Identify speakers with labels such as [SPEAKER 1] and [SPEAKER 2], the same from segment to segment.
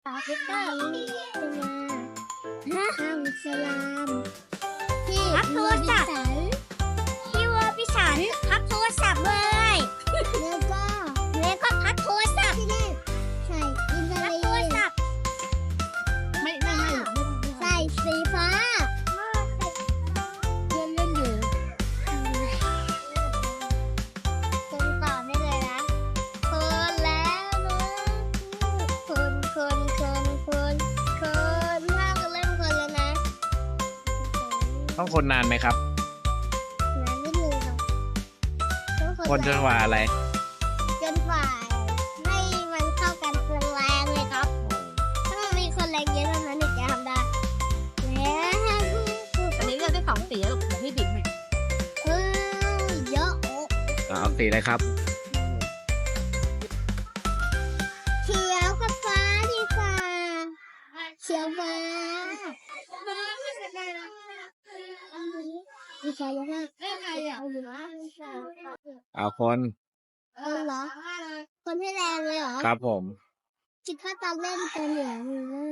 [SPEAKER 1] วิกเตอร์มาข้าวสลามพี่
[SPEAKER 2] รับโทรศัพท์ พี่วัวพี่สันพักโทรศัพท์เลย
[SPEAKER 1] แล้วก็
[SPEAKER 2] พักโทรศัพท์
[SPEAKER 1] ที่นี่ใส่อินเทอ
[SPEAKER 2] พัก
[SPEAKER 1] ร์
[SPEAKER 2] โทร
[SPEAKER 1] เน็ต
[SPEAKER 2] ศัพท์
[SPEAKER 3] ไม่
[SPEAKER 1] ใส่สีฟ้า
[SPEAKER 3] เล่นอยู่
[SPEAKER 1] คนต่อได้เลยนะคนแล้วนะคนห้ามเล่นคนแล้วนะ
[SPEAKER 4] ต้องคนนานไหมครับ
[SPEAKER 1] น้ำนิดนึงครับต้อง
[SPEAKER 4] คนจนกว่าอะไร
[SPEAKER 1] จนกว่าให้มันเข้ากันแรงๆเลยครับ ถ้ามันมีคนแรงเยอะเท่านั้นถึงจะทำได้แล้ว
[SPEAKER 3] อันนี้เลือกได้2 สีแล้วลูกพี่บิ๊กไหม
[SPEAKER 1] เยอะ
[SPEAKER 4] เอาสีอะไรครับ
[SPEAKER 1] เขียวกับฟ้าดีกว่าเขียวฟ้าดีใจยังไงเอาอยู่นะ
[SPEAKER 4] เอาคน
[SPEAKER 1] เหรอ คนให้แรงเลยเหรอ
[SPEAKER 4] ครับผม
[SPEAKER 1] คิดว่าตอนเล่นเป็นเหลือง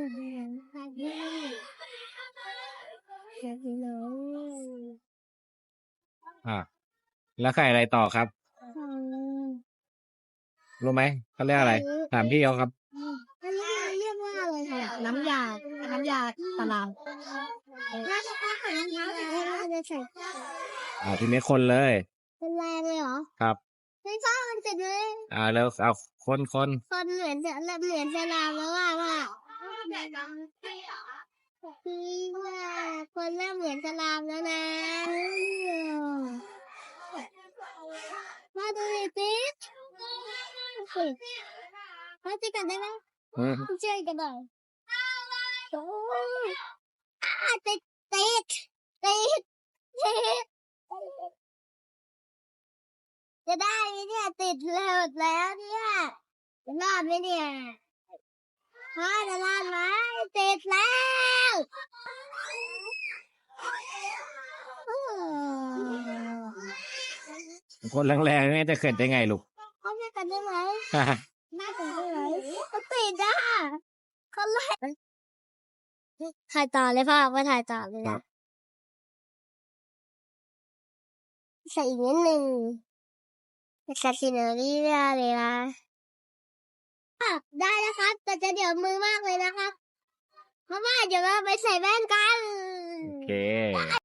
[SPEAKER 4] อ่าแล้วใครอะไรต่อครับ รู้ไหมเขาเรียกอะไร ถามพี่เขาครับ
[SPEAKER 1] อันนี้เรียกว่าอะไรคะ
[SPEAKER 3] น้ำยาตะลาว
[SPEAKER 1] น่าจะอาหารน่าจะใส่
[SPEAKER 4] ทีนี้คนเลย
[SPEAKER 1] เป็นแรงเลยเหรอ
[SPEAKER 4] ครับ
[SPEAKER 1] ไม่ชอบมันเสร็จเลย
[SPEAKER 4] แล้วเอาคน
[SPEAKER 1] คนเหมือนจะลามแล้วว่าคือว่าคนเริ่มเหมือนจะลามแล้วนะมาดูดิติ๊กมาติ๊กกันได้ไหม
[SPEAKER 4] อืม
[SPEAKER 1] ช่วยกันหน่อยโอ้ยติดจะได้ไหมเนี่ยติดแล้วเนี่ยจะรอดไหมเนี่ยจะรอดไหมติดแล้ว
[SPEAKER 4] คนแรงๆนี่จะเขินได้ไงลูก
[SPEAKER 1] เขาช่วยกันได้ไหมน่าจะได้ไหมติดอ่ะเขาเลยถ่ายต่อเลยพ่อมาถ่ายต่อเลย
[SPEAKER 4] ครั
[SPEAKER 1] นะ
[SPEAKER 4] บ
[SPEAKER 1] ใส่อีกนิดหนึ่งใส่ซีเนอรี่ได้เลยนะได้นะครับ แต่จะเดี๋ยวมือมากเลยนะครับเพราะว่าเดี๋ยวเราไปใส่แว่นกัน
[SPEAKER 4] โอเค